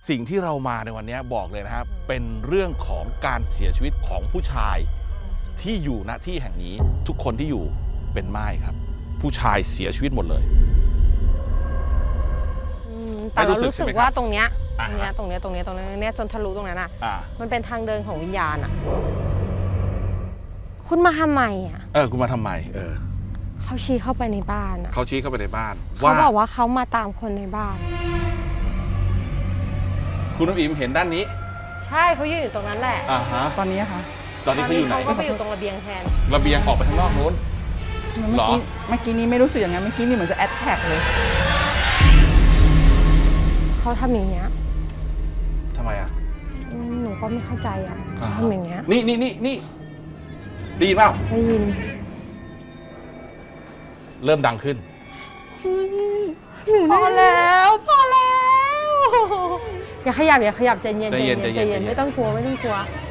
สิ่งที่เรามาในวันนี้บอกเลยนะครับเป็นเรื่องของการเสียชีวิตของผู้ชายที่อยู่ณที่แห่งนี้ทุกคนที่อยู่เป็นม่ายครับผู้ชายเสียชีวิตหมดเลยแต่เรารู้สึกว่าตรงเนี้ยจนทะลุตรงนั้นมันเป็นทางเดินของวิญญาณคุณมาทำไมคุณมาทำไมเขาชี้เข้าไปในบ้านเขาชี้เข้าไปในบ้านเขาบอกว่าเขามาตามคนในบ้านคุณน้ำอิมเห็นด้านนี้ใช่เขายืนอยู่ตรงนั้นแหละตอนนี้ค่ะตอนนี้เขาอยู่ไหนเขาก็ไปอยู่ตรงระเบียงแทนระเบียงออกไปข้างนอกนู้นเมื่อกี้นี้ไม่รู้สึกอย่างนั้นเมื่อกี้นี่เหมือนจะแอดแท็กเลยเขาทำอย่างเงี้ยทำไมหนูก็ไม่เข้าใจทำอย่างเงี้ยนี่ได้ยินเปล่าได้ยินเริ่มดังขึ้นพอแล้วอย่าขยับใจเย็นไม่ต้องกลัว